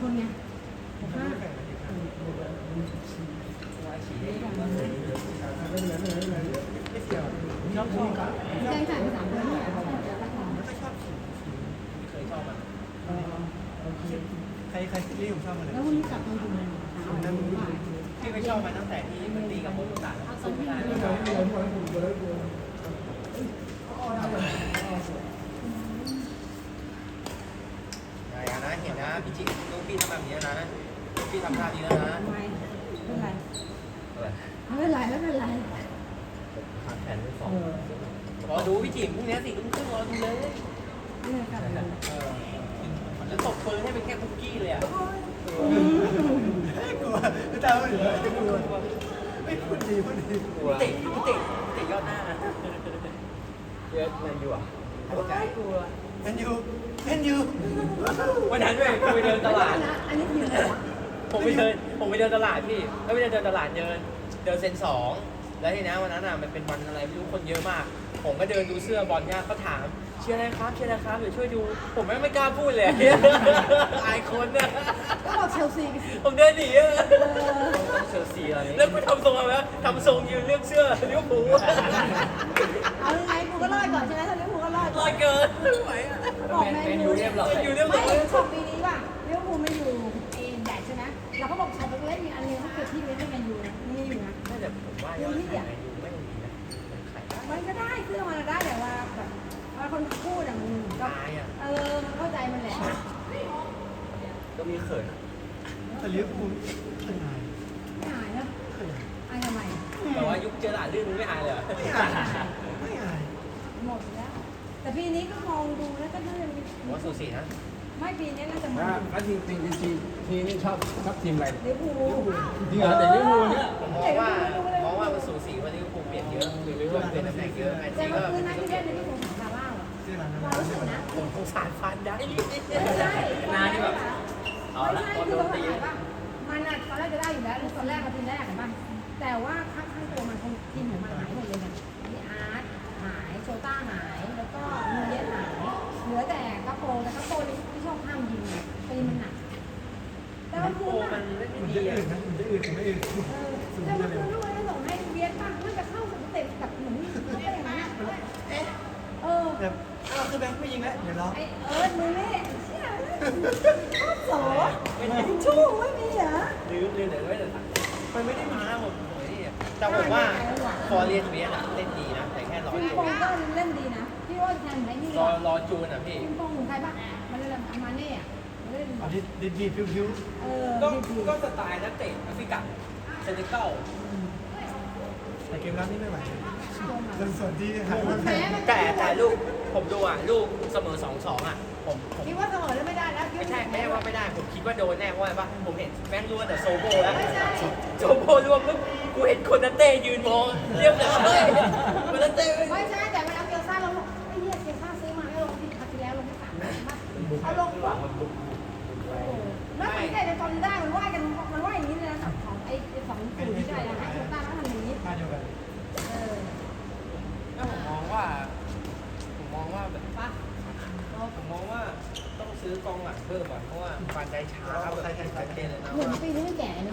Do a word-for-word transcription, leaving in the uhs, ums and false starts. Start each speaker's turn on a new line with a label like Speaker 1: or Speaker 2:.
Speaker 1: คนไงห้า
Speaker 2: ชอบชอบ
Speaker 1: แจ้งจ่ายไปสามพันเนี่ย
Speaker 2: ไม่ชอบขี่ไม่เคยชอบมันใครใครที่ผมชอบมันเลย
Speaker 1: แล้ววันนี้กลับมาดูเลย
Speaker 2: พี่ไม่ชอบมันตั้งแต่ที่มันตีกับโมกุตะสู้ไม่ได้อย่านะเห็นนะพี่จิลูกพี่ทำแบบนี้นะพี่ทำท่านี้แล้วนะ
Speaker 1: ไม่เป็นไรไม่เป็นไรไม่เป็นไร
Speaker 2: ขาแขนไม่สองรอดูพี่จิพรุ่งนี้สี่ทุ่มครึ่งรอดูเลย
Speaker 1: นี่กลับมา
Speaker 2: แล้วตบปืนให้เป็นแค่คุกกี้เลยอ่ะกลัวไม่ตามไม่กลัวไม่พูดดีพูดดีพี่ติพี่ติพี่ติยอดหน้าเยอะแมนยูอ่ะไม่กลัวแมนยูแมนยูวันนั้นด้วยผมไปเดินตลาด
Speaker 1: อันนี้คืออะไรวะ
Speaker 2: ผมไปเดินผมไปเดินตลาดพี่แล้วไปเดินเดินตลาดเดินเดินเซนสองแล้วทีนี้วันนั้นอ่ะมันเป็นวันอะไรไม่รู้คนเยอะมากผมก็เดินดูเสื้อบอลเนี่ยเขาถามเชียร์อะไรครับเชียร์อะไรครับเดี๋ยวช่วยดูผมไม่ไม่กล้าพูดเลยอายคนเนี่ย
Speaker 1: ก็บอกเชลซีกันสิ
Speaker 2: ผมเดินหนีอะเชลซีอะไรแล้วกูทำทรงอะไรทำทรงยืนเลือกเสื้อลิเวอร์พูล
Speaker 1: เอาไงกูก็รอดก่อนใช่ไหมถ้าลิเวอร์พูลก็รอด
Speaker 2: ลอยเกินไม่ไหวอ่ะ
Speaker 1: บอกแมนยู
Speaker 2: เรียบร้อยแมนยูเรียบร้
Speaker 1: ไม่
Speaker 2: อย
Speaker 1: ชอบปีนี้ว่ะลิเวอร์พูลไม่อยู่เอ็นแดดใช่ไหมเราก็บอกชอบไปเล่นมีอันนึงเขาเกิดที่เล่นให้แมนยูนะนี่อยู่นะ
Speaker 2: น่าจะผมว่ายอดขายแมนยูไม่ดีนะขายได้
Speaker 1: มันก็ได้เครื่องมันได้แต่ว่าแบบว่าคนพูดอ่ะมันก็
Speaker 2: ตายอ่ะ
Speaker 1: เออมันเข้าใจมันแหละ
Speaker 2: ก็มีเขิน
Speaker 3: แต่ลิเวอร์พูลขนาด
Speaker 1: ไม่หายนะอายทำไม
Speaker 2: แต่ว่ายุคเจอหลาดลื่นมึงไม่อายเลย
Speaker 3: ไม่อายไม่อาย
Speaker 1: หมดแล้ว แต่ปีนี้ก็มองดูแล้วก็น่าจะมี
Speaker 2: ผมว่าสูสีนะ
Speaker 1: ไม่ปีนี้น่าจะมา
Speaker 4: แล้วจริงจริงจริงจริงทีนี่ชอบชอบทีมอะไร
Speaker 1: ลิเวอร์พูล
Speaker 4: จริงเหรอแต่ลิเวอร์พูลเนี่ย
Speaker 2: ผมมองว่ามองว่ามันสูสีว่าลิเวอร์พูลเปลี่ยนเยอะลิเวอร์พูลเปลี่ยนตำแหน่งเยอะแมน
Speaker 1: แต่
Speaker 2: ซี
Speaker 1: เมื่
Speaker 2: ก็
Speaker 1: อคืนนั้นที่เล่นในที่ผมถามซาร่าอ่ะ
Speaker 3: ชื่อร้าน
Speaker 1: เรารู้สึกนะ
Speaker 2: ผมสงสารฟันได้
Speaker 1: ไม่ใช่
Speaker 2: นานี่แบบเอา
Speaker 1: ไม่
Speaker 2: ละ
Speaker 1: ใช่
Speaker 2: พอ
Speaker 1: คื
Speaker 2: โด
Speaker 1: อน เขา
Speaker 2: ตี
Speaker 1: ถ่ายป่ะมันอ่ะตอนแรกจะได้อยู่แล้วตอนแรกมาทีแรกเห็นป่ะแต่ว่าข้างข้างตัวมันคงทีมของมันหายหมดเลยนะมีอาร์ตหายโชต้าหายแล้วก็มูเยสหายเหลือแต่กระโปรงแต่กระโปรงนี่ที่ชอบห้ามยิงตีมันหนักแต่มันพู
Speaker 2: โอ้
Speaker 1: ด
Speaker 2: มั
Speaker 1: อ่ะ
Speaker 2: นเล่น
Speaker 3: มัน
Speaker 2: ดี
Speaker 3: จะ
Speaker 2: อ่ะ
Speaker 3: อื่นนะมันจะอื่นแต่ไม่อื่น
Speaker 1: เออแต่มันคือลูกอะไรส่งให้เบียดป่ะมันจะเข้าเตะกับเหมือนมันก็อย่างนั้นอ่ะเออ
Speaker 3: แบบอ้าวคือแบงค์ไม่ยิงแล้วเดี๋ยวเรา
Speaker 1: ไอเอิร์ธมึงนี่เชี่ยชอบโสทิชชู่ไม่มีเหรอ
Speaker 2: ลืมลืมเดี๋ยวไม่เดี๋ยวมันไม่ได้มาผมผมไม่ได้แต่ผมว่าฟอร์เรียนเวียนอะเล่นดีนะแต่แค่รอ
Speaker 1: ปิง
Speaker 2: จู
Speaker 1: ปองก็เล่นดีนะพี่ว่าแทนไหนนี่
Speaker 2: รอรอจูนอ่ะพี่
Speaker 1: ปิงปองของใครบ้างมันเล่นอามาเน่อะเล่น
Speaker 3: เอาดิดิดีพิวพิว
Speaker 1: เออ
Speaker 2: ก็
Speaker 1: ดี
Speaker 2: ก็สไตล์นักเตะแอฟริกันเซนติเกิล
Speaker 3: แต่เกมรับนี่ไม่ไหว
Speaker 1: ๆ
Speaker 3: จนส่วนที่หาย
Speaker 1: มั
Speaker 3: มาน แพ้
Speaker 1: แพ้มัน
Speaker 2: แต่แต่ลูกผมดูอ่ะลูกเสมอสองสองอ่ะผมผม
Speaker 1: คิดว่าเสมอแล้วไม่ได้แล้ว
Speaker 2: ไม่ใช่ไม่ใช่ว่าไม่ได้ผมคิดว่าโดนแน่เพราะอะไรปะผมเห็นแม่งร่วงแต่โซโบแล้วโซโบร่วงปุ๊บกูเห็นคนนันเต้ยืนมองเรียบร้อยคนนันเต้
Speaker 1: ไม่ใช่แต่เวลาเกียวซ่าเราลงไอ้เหี้ยเกียวซ่าซื้อมาให้ลงที่ครั้งที่แล้วลงที่สามเอาลงปุ๊บแล้วสังเกตในตอนได้มันว่ายกันมันว่ายอย่างนี้เลยนะของไอ้สองศูนย์ที่ได้นะให้เกียวซ่าแล้วทำอย่างนี้
Speaker 3: มาเดียวกัน
Speaker 1: เออ
Speaker 2: แล้วผมมองว่าผมมองว่าแบบ
Speaker 1: ปะ
Speaker 2: ผมมองว่าต้องซื้อกองหลังเพิ่มอ่ะเพราะว่าฟันได้ช้าแบบชัดเจนเลยนะ
Speaker 1: เหมือน
Speaker 2: ว่า
Speaker 1: ปีนี้ไม่แก่เนาะ